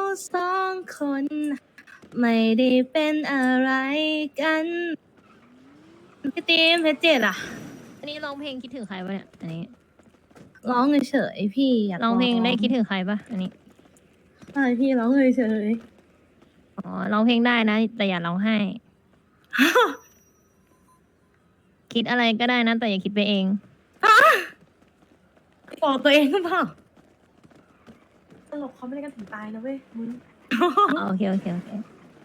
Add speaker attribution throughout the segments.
Speaker 1: สองคนไม่ได้เป็นอะไรกันพี่ตีมเพชรเจ็ดอะ
Speaker 2: อันนี้ร้องเพลงคิดถึงใครปะเนี่ยอันนี้
Speaker 1: ร้องเฉยๆพี่อยาก
Speaker 2: ร้องเพลงได้คิดถึงใครปะอันนี้
Speaker 1: ใช่พี่ร้องเฉย
Speaker 2: อ๋อร้องเพลงได้นะ แต่อย่าร้องไห้
Speaker 1: ๆ
Speaker 2: คิดอะไรก็ได้นะ แต่อย่าคิดไปเอง
Speaker 1: บอกตัวเองหรือเปล่าตลกเขาไม่ได้กันถึงตายนะเว้ยมึง
Speaker 2: อ๋อโอเคโอเคโอเค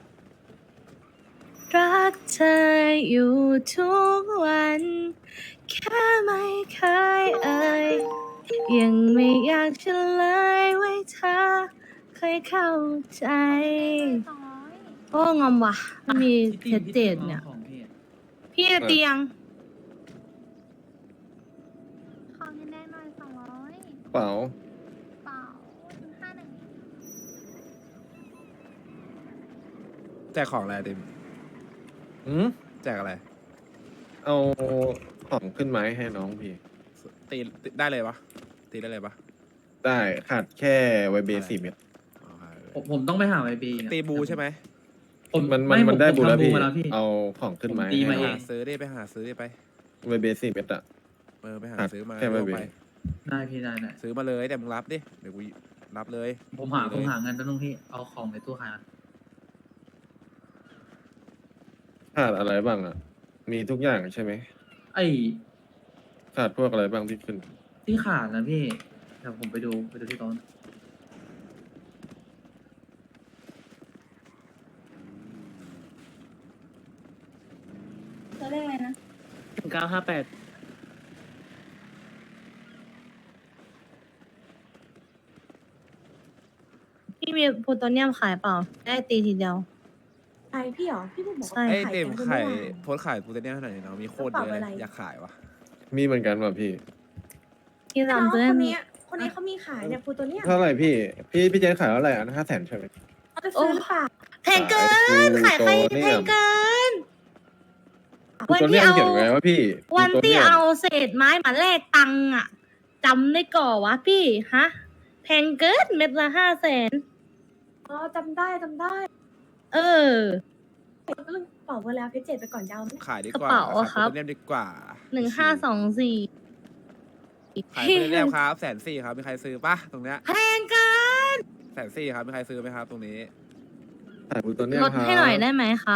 Speaker 1: รักเธออยู่ทุกวัน แค่ไม่เคยยังไม่อยากเฉลยไว้เธอเคยเข้าใจโอ้งอมว่ะไม่มีเพชรเจ็ดเนี่ย พี่เตียง
Speaker 2: ขอเงินได้หน่อย200
Speaker 3: เปล่า
Speaker 2: เปล่า51
Speaker 4: แจกของอะไรติม
Speaker 3: อืม
Speaker 4: แจกอะไร
Speaker 3: เอาของขึ้นไม้ให้น้องพี่
Speaker 4: ตีได้เลยปะตีได้เลยปะ
Speaker 3: ได้ขาดแค่ไวเบ4 เม็ด
Speaker 4: อ๋อ
Speaker 5: ผมต้องไปหาไอบี
Speaker 4: ตีบูใช่ไหม
Speaker 3: มันได้บูแล้วพี่
Speaker 5: มาแล้วพี่
Speaker 3: เอาของขึ้นไม้
Speaker 5: ผมตี
Speaker 3: ให้
Speaker 5: มา
Speaker 4: ไป
Speaker 5: เอ
Speaker 4: หาง ซื้อดิไปหาซื้อดิไป
Speaker 3: ไวเบ4 เม็ดอะ
Speaker 4: ไปหา
Speaker 3: ขาด
Speaker 4: ซื้อมา
Speaker 3: แค่ไวเบ
Speaker 4: ไป
Speaker 5: ได้พี่ได้
Speaker 4: ซื้อมาเลยแต่มึงรับดิเดี๋ยวกูรับเลย
Speaker 5: ผมหาเงินตั้งนึงพี่เอาของในตู้ขายก่อน
Speaker 3: ขาดอะไรบ้างอะมีทุกอย่างใช่ไหม
Speaker 5: ไอ้
Speaker 3: ขาดพวกอะไรบ้างที่ขึ้น
Speaker 5: ที่ขาดนะพี่เดี๋ยวผมไปดูที่โต๊ะ
Speaker 1: ตัวเลขอะไรนะ
Speaker 5: 958
Speaker 1: พี่มีโพโตเนียมขายเปล่า ได้ตีทีเดียว
Speaker 6: ใครพี่เหรอ พี่พูดบอก
Speaker 1: ใช่
Speaker 6: ว่า
Speaker 4: ไอ้
Speaker 6: ขาย
Speaker 4: ติม
Speaker 6: กัน
Speaker 4: ไข่
Speaker 6: เมื่อวาน
Speaker 4: โพสต์ขายกูจะเนี่ยเท่าไหร่เนาะมีโคตรเยอะเลย
Speaker 6: กระเป๋าอะไร
Speaker 4: อยากขายวะ
Speaker 3: มีเหมือนกันว่ะพี่
Speaker 1: พี่
Speaker 6: น้อง
Speaker 1: รำ
Speaker 6: ค
Speaker 1: ตัวน นั้น
Speaker 6: นี้คนนี้เขามีขายเนี่ยพูตัวเนี้ย
Speaker 3: เท่าไหร่พี่ พี่เจนขายเท่าไหร่อัน500,000ใช่ไหม
Speaker 6: เขาจะซื้อหรือเปล่า
Speaker 1: แพงเกิน ขายใครแพงเกิน วัน
Speaker 3: ตัว
Speaker 1: ที่
Speaker 3: เนี้ย
Speaker 1: เอา
Speaker 3: เขียนไว้ว่าพี่
Speaker 1: วัน
Speaker 3: ตัว
Speaker 1: ที่
Speaker 3: นี้ย
Speaker 1: เอาเศษไม้มาแลกตังค์อะจำได้ก่อวะพี่ฮะ แพงเกินเม็ดละ500,000
Speaker 6: อ๋อจำได้
Speaker 1: เออ
Speaker 6: ก็เรื่องเป่าไปแล้วเพชรเจ็ดไปก่อนยาวไหม
Speaker 4: ขายดีก
Speaker 1: กระ
Speaker 4: ว่า
Speaker 1: เป๋าอะ
Speaker 4: ขาย
Speaker 1: ครับ
Speaker 4: โพสต์เนี่ยดีกว่า
Speaker 1: 1524
Speaker 4: ขายไปเรียบครับ140,000ครับมีใครซื้อปะตรงเนี้ย
Speaker 1: แพงเกิน
Speaker 4: 140,000ครับมีใครซื้อไหมครับ ตรงนี้
Speaker 3: ขายตัวเนี้ย
Speaker 1: ลดให้หน่อยได้ไหมครับ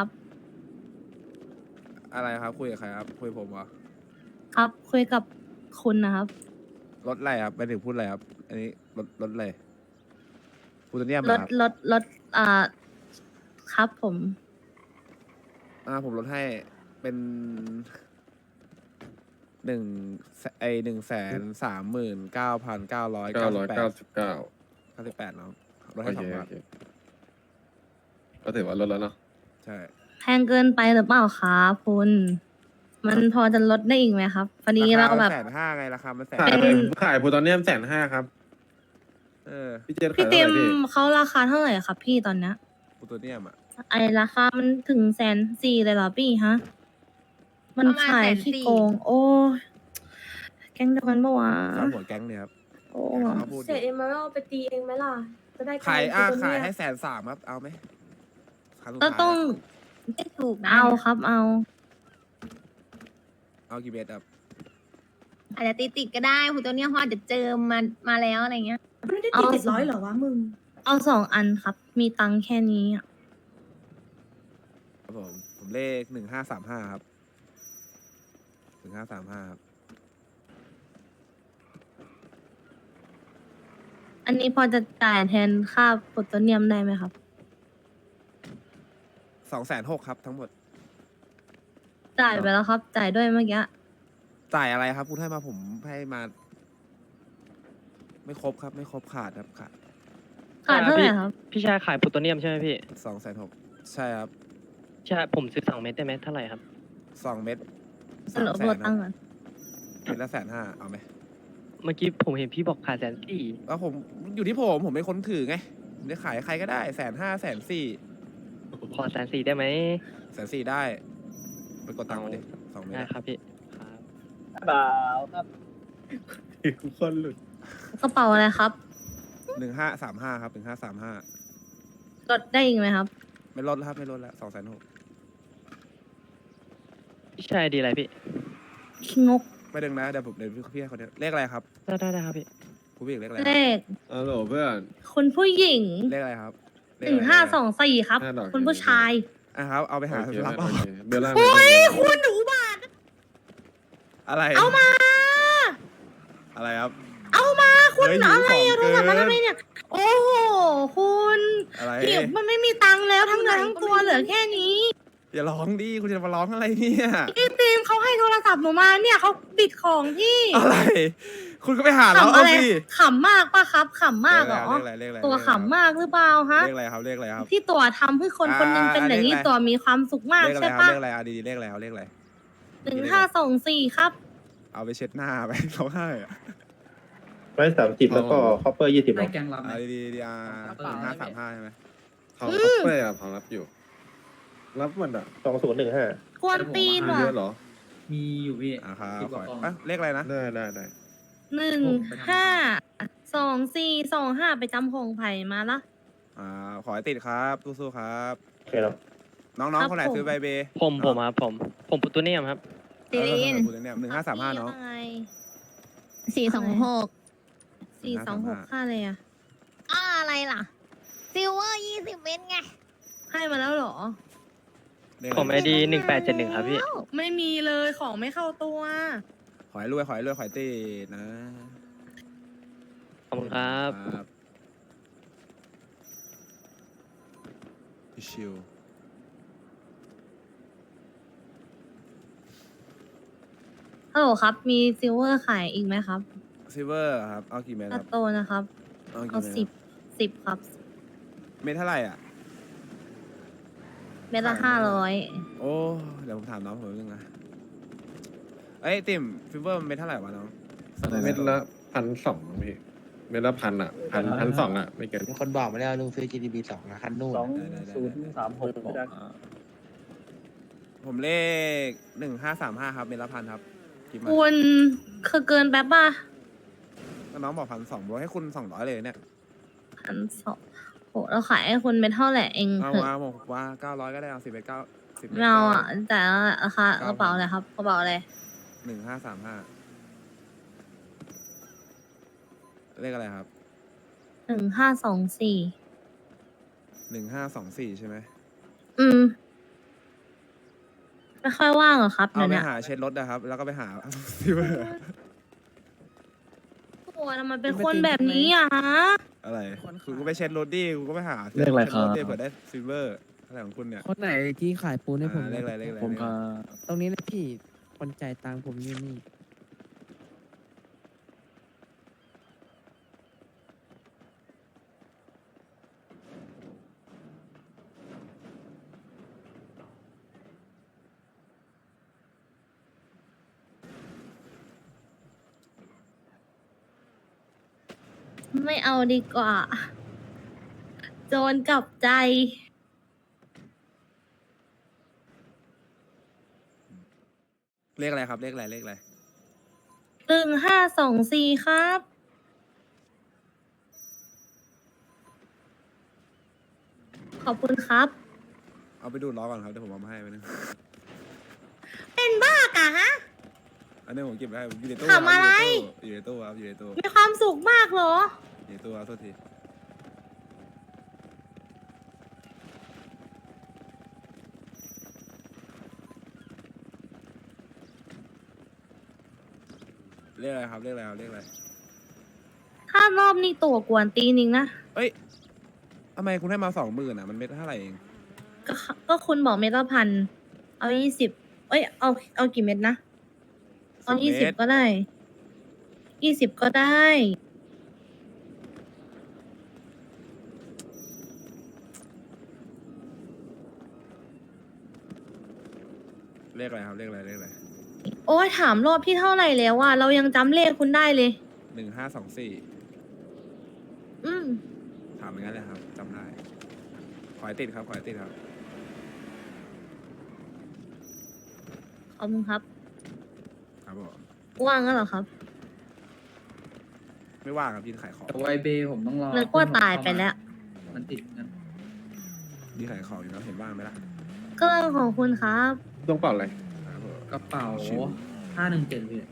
Speaker 4: อะไรครับคุยกับใครครับคุยกับผมเหรอ
Speaker 1: ครับคุยกับคุณนะครับ
Speaker 4: รถอะไรครับไปถึงพูดอะไรครับ อันนี้รถอะไรพูดเนี่ย
Speaker 1: ล
Speaker 4: มา
Speaker 1: ด
Speaker 4: ครับ
Speaker 1: ลดครับผม
Speaker 4: ผมลดให้เป็น1,139,998 แล้วลด
Speaker 3: โอ
Speaker 4: ให้
Speaker 3: เค
Speaker 4: 2 บาท
Speaker 3: โอเคก็ถือว่าลดแล้วเนาะ
Speaker 4: ใช่
Speaker 1: แพงเกินไปหรือเปล่าครับคุณ มันพอจะลดได้อีกไหมครับพอดีเราแบบ
Speaker 4: 150,000ไงราคามัน150,000
Speaker 3: ขายโพตอนเนียม150,000ครับ
Speaker 4: เออ
Speaker 3: พี่เจน
Speaker 1: พี่
Speaker 3: ขาย
Speaker 1: เต็
Speaker 3: เท่าไห
Speaker 1: ม
Speaker 3: ร่พี่
Speaker 1: เขาราคาเท่าไหร่ครับพี่ตอนเนี้ย
Speaker 4: พูดตัวเนี่ยอ่ะ
Speaker 1: ไอราคามันถึง140,000เลยเหรอพี่ฮะ มัน
Speaker 2: ประมาณ
Speaker 1: ขาย
Speaker 2: 140,000
Speaker 1: ขี้โกง โอ้ยแก๊งเดียวกันปะวะ
Speaker 4: ข้าวหัวแก๊งเนี่ยครับ
Speaker 1: โอ้
Speaker 4: เขาพูดอ
Speaker 6: เศษ
Speaker 4: ยู่
Speaker 6: เอ็มเมอรัลไปตีเองไหมล่ะ จะได้
Speaker 4: ขาย
Speaker 6: กำไร
Speaker 4: ขาย
Speaker 6: ตัว
Speaker 4: ให้
Speaker 6: เนี้
Speaker 4: 130,000ครับเอาไหมครั้งสุด
Speaker 1: ก็
Speaker 4: ท้าย
Speaker 1: ต้อง
Speaker 2: ไม่ถูกนะ
Speaker 1: เอาครับเอา
Speaker 4: เอากี่เบสครับ
Speaker 2: อาจจะติดก็ได้คุณตัวเนี้ยเขาอาจจะเจอมาแล้วอะไรเงี้ย
Speaker 6: ไม่ได้ตี700เหรอวะมึง
Speaker 1: เอา2 อันครับ มีตังค์แค่นี้อะ
Speaker 4: ครับผมเลข1535ครับ1535ครับ
Speaker 1: อันนี้พอจะจ่ายแทนค่าโพตเนียมได้ไหมครับ
Speaker 4: 260,000ครับทั้งหมด
Speaker 1: จ่ายไปแล้วครับ จ่ายด้วยเมื่อกี้
Speaker 4: จ่ายอะไรครับคุณให้มาผมให้มา ไม่ครบครับ ไม่ครบขาดครับขาด
Speaker 1: ขาดเท่าไหร่ครับ
Speaker 7: พี่ชายขายโพลูโตเนียมใช่ไหมพี่
Speaker 4: 260,000ใช่ครับ
Speaker 7: ใช่ผมซื้อ2 เม็ดได้ไหมเท่าไหร่ครับ
Speaker 4: 2 เม็ด
Speaker 1: สรุปโพตังค์ก่อน
Speaker 4: เม็ดละ150,000เอาไหม
Speaker 7: เมื่อกี้ผมเห็นพี่บอกขาย140,000
Speaker 4: แล้วผมอยู่ที่ผมเป็นคนถือไงผมจะขายใครก็ได้150,000 140,000
Speaker 7: ขอ140,000ได้ไหม
Speaker 4: 140,000ได้ไปกดตังค์มาดิ2 เม็ด
Speaker 7: ได้
Speaker 4: อะ
Speaker 7: ครับพี่ครับ
Speaker 3: คนหลุด
Speaker 1: กระเป๋าอะไรครับ
Speaker 4: 1535ครับ1535
Speaker 1: ลดได้อีกไหมครับ
Speaker 4: ไม่ลดแล้วครับไม่ลดแล้ว260,000
Speaker 7: พี่ชายดีอะไรพี่
Speaker 1: งก
Speaker 4: ไม่ดึงนะเดี๋ยวพี่ให้เขาเลขอะไรครับ
Speaker 7: ได้ครับพี่
Speaker 4: ผู้หญิงเลขอะไร
Speaker 1: เลข
Speaker 3: ฮัลโหลเพื่อน
Speaker 1: คุณผู้หญิง
Speaker 4: เลขอะไรครับเลข
Speaker 1: หนึ่ง
Speaker 4: อะไร
Speaker 1: 524ครับ
Speaker 3: 5 ดอก
Speaker 1: คุณผู้ชาย
Speaker 4: อ่ะครับเอาไปหา
Speaker 3: โอเครับ
Speaker 4: เอา
Speaker 3: โอเคเบลล่า
Speaker 1: โอ้ยคุณหนูบาท
Speaker 4: อะไร
Speaker 1: เอามา
Speaker 4: อะไรครับ
Speaker 1: เอามาคุณ
Speaker 4: เฮ้ย
Speaker 1: อะไร
Speaker 4: หิว
Speaker 1: อะ
Speaker 4: ข
Speaker 1: โท
Speaker 4: อง
Speaker 1: รศัพท์มา
Speaker 4: เกิน
Speaker 1: ทำไมเนี่ย โอ้โหคุณ
Speaker 4: อะไร
Speaker 1: ผิวมันไม่มีตังค์แล้วทั้งเนื้อทั้งตัวเหลือแค่นี้
Speaker 4: อย่าร้องดิคุณจะมาร้องอะไรเนี่ย
Speaker 1: พี่ตีมเขาให้โทรศัพท์หนูมาเนี่ยเขาบิดของพี่
Speaker 4: อะไร คุณก็ไปหาแล้ว
Speaker 1: ขำ
Speaker 4: เอา
Speaker 1: อะไร
Speaker 4: สิ
Speaker 1: ขำมากปะครับขำมากเหรอ
Speaker 4: เลขอะไรเลขอะไร
Speaker 1: ตัวขำมากหรือเปล่าฮะ
Speaker 4: เลขอะไรครับเลขอะไรครับ
Speaker 1: ที่ตัวทำให้คนคนหนึงเป็นอย่างนี้
Speaker 4: เลขอะไร
Speaker 1: ตัวมีความสุขมาก
Speaker 4: เลขอะไร
Speaker 1: ใช่
Speaker 4: ครับ
Speaker 1: ปะ
Speaker 4: เลขอะไรอ่ะดีๆเลขอะไรเอาเลขอะไร
Speaker 1: 1524ครับ
Speaker 4: เอาไปเช็ดหน้าไป เขาให้อะ
Speaker 8: 130แล้วก็คอปเปอร์20
Speaker 5: ได้แกงรับไหม
Speaker 4: เอาดีๆ1535ใช่ไหม
Speaker 3: ของคัพเปอร์อะของรับอยู่ รับมันอ่ะ
Speaker 8: 2015
Speaker 1: กวนตีน
Speaker 3: มี
Speaker 1: ว่ะ
Speaker 3: เยอะเหรอ
Speaker 5: มีอยู่พี่
Speaker 4: อ่ะครับ
Speaker 5: 10กว่า
Speaker 4: ข
Speaker 5: กล่
Speaker 4: อ
Speaker 5: อง
Speaker 4: อ่ะเลขอะไรนะ
Speaker 3: ได้
Speaker 1: 152425ไปจำพงไผ่มาละ
Speaker 4: ขอให้ติดครับสู้ๆครับ
Speaker 8: โอเคครับ
Speaker 4: น้อง
Speaker 1: ครับ
Speaker 4: ๆคนไหน
Speaker 1: ผม
Speaker 4: ซื้อใบเบย์
Speaker 7: ผมครับผมปุตตุเนียมครับ
Speaker 2: ซีรีน
Speaker 4: คุณเนี่ย1535น้อง
Speaker 2: 426
Speaker 1: 426ค่าเลยอะ
Speaker 2: อะไรล่ะซิลเวอร์20 เม็ดไง
Speaker 1: ให้มาแล้วเหรอ
Speaker 4: เลข
Speaker 7: ผม
Speaker 4: อะไร
Speaker 7: ID 1871ครับพี่
Speaker 1: ไม่มีเลยของไม่เข้าตัว
Speaker 4: ขอให้รวยขอให้ติดนะ
Speaker 7: ขอบคุณครับ
Speaker 4: ชิว
Speaker 1: ฮัลโหลครับ มีซิลเวอร์ขายอีกไหมครับ
Speaker 4: ซิเวอร์ครับเอากี่เม็ดค
Speaker 1: ตั
Speaker 4: รั
Speaker 1: ด
Speaker 4: บ
Speaker 1: โตนะครับ
Speaker 4: เอา
Speaker 1: เอา
Speaker 4: กี่เม็ด
Speaker 1: 10ครับ
Speaker 4: เม็ดเท่าไหร่อ่ะ
Speaker 1: เม็ดละ
Speaker 4: ขายไม่ได้
Speaker 1: 500
Speaker 4: โอ้เดี๋ยวผมถามน้องผมนึงนะเอ้ยติ่มฟิเวอร์เม็ดเท่าไหร่วะน้อง
Speaker 3: เม็ดละ1,200พี่ เม็ดละ1,000อ่ะ1,200อ่ะ ไม่เกิน
Speaker 9: มีคนบอกมาแล้วลุงซื้อ GDP 2นะคันนู่น
Speaker 4: ผมเลข1535ครับเม็ดละ1,000ครับคิดมา
Speaker 1: คุณคือเกินแป๊บป่ะ
Speaker 4: ก็น้องบอก1,200บอกให้คุณ200เลยเนี่ย
Speaker 1: 1,200โหเราขายให้คุณเม็ดเท่าไหร่เอง
Speaker 4: เอา
Speaker 1: เถอะ
Speaker 4: มาบอกว่า900ก็ได้เอา10ไป9 10
Speaker 1: ไม่เอาอ่ะแต่ราคากระเป๋าอะไรครับกระเป๋าอะไร
Speaker 4: 1535เลขอะไรครับ
Speaker 1: 1524
Speaker 4: 1524ใช่ไหม
Speaker 1: ไม่ค่อยว่างเหรอครับ
Speaker 4: เอา
Speaker 1: เนี่ย
Speaker 4: ไป
Speaker 1: เนี่ย
Speaker 4: หาเช็ดรถนะครับ แล้วก็ไปหา ซิเวอร์
Speaker 1: โอ้ทำไมเป็นคนแบบนี้อ่ะฮะ
Speaker 4: อะไรคุณก็ไปเช็ดรถดิคุณก็ไปหา
Speaker 5: เลขอะไรครับ
Speaker 4: เช็ดถดิเผื่อได้ซิเวอร์อะไรของคุณเนี่ย
Speaker 9: คนไหนที่ขายปูนให้ผม
Speaker 4: เลขอะไรเลขอะไร
Speaker 5: ผม
Speaker 4: เลข
Speaker 5: ค
Speaker 4: อะ
Speaker 5: รั
Speaker 4: ไร
Speaker 5: บ
Speaker 9: ตรงนี้นะพี่ คนจ่ายตังค์ผมอยู่นี่
Speaker 1: ไม่เอาดีกว่า โจรกลับใจ
Speaker 4: เลขอะไรครับเลขอะไรเลขอะไร
Speaker 1: 1524ครับ ขอบคุณครับ
Speaker 4: เอาไปดูดล้อก่อนครับเดี๋ยวผมเอามาให้ไปนึง
Speaker 1: เป็นบ้ากะฮะ
Speaker 4: อันนี้ผมเก็บไว้ให้อยู่ในตู้
Speaker 1: ทำอะไร
Speaker 4: อยู่ในตู้ครับอยู่ในตู้
Speaker 1: มีความสุขมากเหรอ
Speaker 4: อยู่ในตู้ครับโทษทีเลขอะไรครับเลขอะไรครับเลขอะไร
Speaker 1: ถ้ารอบนี้ตัวกวนตีนิงนะ
Speaker 4: เอ้ยทำไมคุณให้มา20,000อ่ะมันเม็ดเท่าไหร่เอง
Speaker 1: ก็คุณบอกเม็ดละพัน เอา20เอ้ย เอากี่เม็ดนะ เอา
Speaker 4: 10
Speaker 1: 20ก็ได้ 20ก็ได้
Speaker 4: เลขอะไรครับเลขอะไรเลขอะไร
Speaker 1: โอ้ยถามรอบที่เท่าไหร่แล้วว่าเรายังจำเลขคุณได้เลย
Speaker 4: 1524
Speaker 1: อืม
Speaker 4: ถามอย่างนั้นเลยครับจำได้ขอให้ติดครับขอให้ติดครับ
Speaker 1: ขอบคุณครับ
Speaker 4: ครับผม
Speaker 1: ว่างแล้วเหรอครับ
Speaker 4: ไม่ว่างครับยืนขายของ
Speaker 5: แต่ไวเบย์ผมต้องรอ
Speaker 1: นึกว่าตายไปแล้ว
Speaker 5: มันติดกัน
Speaker 4: ดีขายของอยู่แล้วเห็นบ้างไหมล่ะ
Speaker 1: ก็เรื่องของคุณครับ
Speaker 3: ต้องเป่าอะไร
Speaker 4: ครับผม
Speaker 5: กระเป๋า
Speaker 4: ชิว
Speaker 5: 517พี่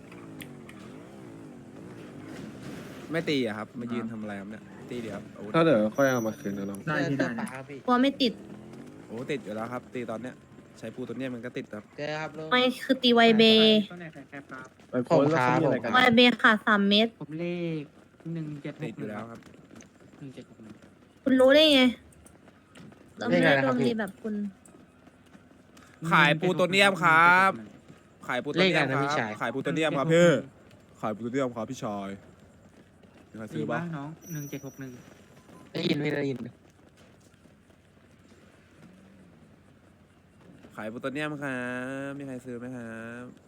Speaker 4: ไม่ตีอะครับมายืนทำอะไรครับเนี่ยตีเดียวอาวุธ
Speaker 3: ถ้าเดี๋ยวค่อยเอามาคืนนะน้อง
Speaker 5: ได้พี่ได้
Speaker 1: กลัวไม่ติด
Speaker 4: โอ้ติดอยู่แล้วครับ ตีตอนเนี้ยใช้ปูตัวเนี้ยมันก็ติดครับ
Speaker 9: เจอครับลุง
Speaker 1: ไม่คือตีไวเบ
Speaker 8: ไปโพสต์แล้วเขามีอะไรกัน
Speaker 1: ไวเบขาด3 เม็ด
Speaker 5: ผมเลข176
Speaker 4: ติดอยู่แล้วครับ
Speaker 1: คุณรู้ได้ไง เราไม่ได้ดวงดีแบบคุณ
Speaker 4: ขายปูตัวเนียมครับ ขายปูตัวเนียมครับขายปูตัวเนียมครับพี่ขายปูตัวเนียมครับพี่ชายมีใครซื้อบ้าง
Speaker 5: น้อง1761
Speaker 9: ได้ยินไม่ได้ยิน
Speaker 4: ขายปูตัวเนียมครับมีใครซื้อไหมครับ